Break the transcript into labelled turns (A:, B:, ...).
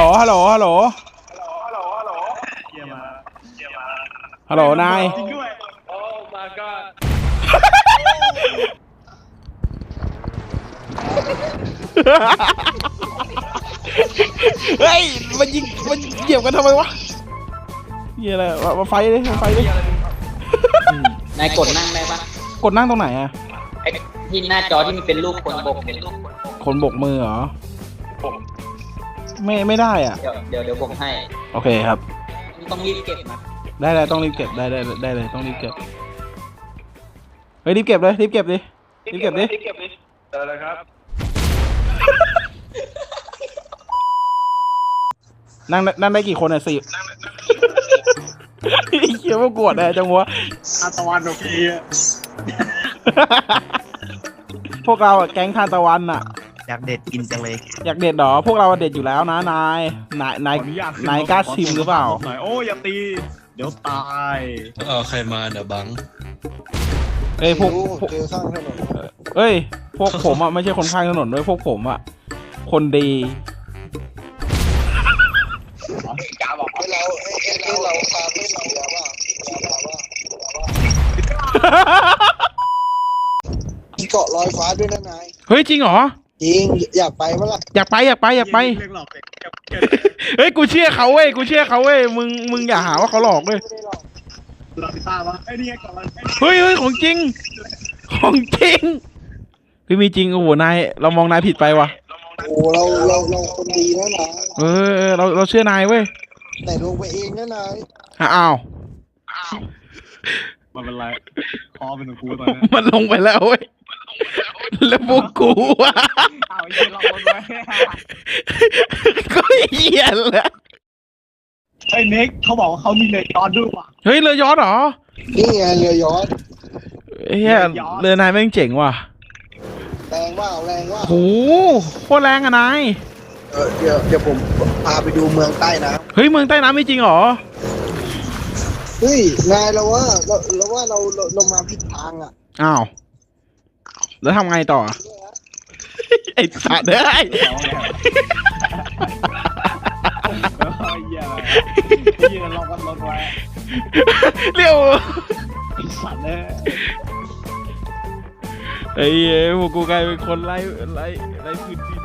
A: ฮัลโหลฮัลโหลฮัลโหลนาย
B: จริงด้วยโอ้มาก็
A: เฮ้ยมันยิงมันเหยียบกันทำไมวะเหี้ยอะไรมาไฟเลยมาไฟเลย
C: นายกดนั่งได้ปะ
A: กดนั่งตรงไหนอะ
C: ไอ้ที่หน้าจอที่มันเป็นรูปคนบกเนี่ย
A: คนบกมือเหรอไม่ได้อ่ะ
C: เดี๋ยวบกให้
A: โอเคครับ
C: ต้องรีบเก็บนะ
A: ได้เลยต้องรีบเก็บได้เลยต้องรีบเก็บเฮ้ยรีบเก็บเลยรีบเก็บดิรีบเก็บดิ
B: เจอเลยครับ
A: นั่งได้กี่คนอ่ะ10เขียวว่ากวดแน่จังวะ
B: อาตะวันโอเค
A: พวกเราอะแก๊งทานตะวันอ่ะ
D: อยากเด็ดกินจังเลย
A: อยากเด็ดเหรอพวกเราเด็ดอยู่แล้วนะนายกล้าชิมหรือเปล่า
B: หน่อยโอ้อย่าตีเดี๋ยวตาย
E: ใครมาเดี๋ยวบัง
A: เอ้ยพวก
F: เจอข้างถนน
A: เอ้ยพวกผมอ่ะไม่ใช่คนข้างถนนด้วยพวกผมอ่ะคนดี
B: กาบอก
F: เราพาไม่เสียว่ามีเกาะลอยฟ้าด้วยนะนาย
A: เฮ้ยจริงเหรอ
F: จริงอยากไปเมื่อไหร่
A: อยากไป
B: เรื่องหลอกเด็ก
A: เฮ้ยกูเชื่อเขาเว้ยมึงอย่าหาว่าเขาหลอกด้วย
F: ไม่ได้หรอก
B: หลอกพิต้าวะไอ้นี่ก่อน
A: เฮ้ยของจริงพี่มีจริงโอ้โหนายเรามองนายผิดไปว่ะ
F: โอ้เราคนดีนะนาย
A: เราเชื่อนายเว้ย
F: แต่ลงไปเองนะนาย
A: อ้าว
B: มันเป็นไรคอเป็นกูตอนนี้
A: มันลงไปแล้วเว้ยแล้วพวกกูอ่ะ
B: อ้าวยิงเราคนไว้
A: ก็เหี้ยแหละ
B: ไอ้เน็กเขาบอกว่าเขามีเลยตอนด้วยว่ะ
A: เฮ้ยเรือยอชต์เหรอ
F: นี่ไงเรือยอชต์
A: เฮียเรือนายแม่งเจ๋งว่ะ
F: แรงว่า
A: โหโคตรแรงอะนาย
F: เดี๋ยวผมพาไปดูเมืองใต้น้
A: เฮ้ยเมืองใต้น้ำไม่จริงเหรอ
F: ำเฮ้ยนายเรามาผิดทางอ่ะ
A: อ้าวแล้วทำไงต่อไอ้สัตว์เอ้ย
B: ยืนรอกันรถไว้
A: เร็ว
B: สัตว์เลย
A: ไอ้พวกกูกลายเป็นคนไล่พื้นที่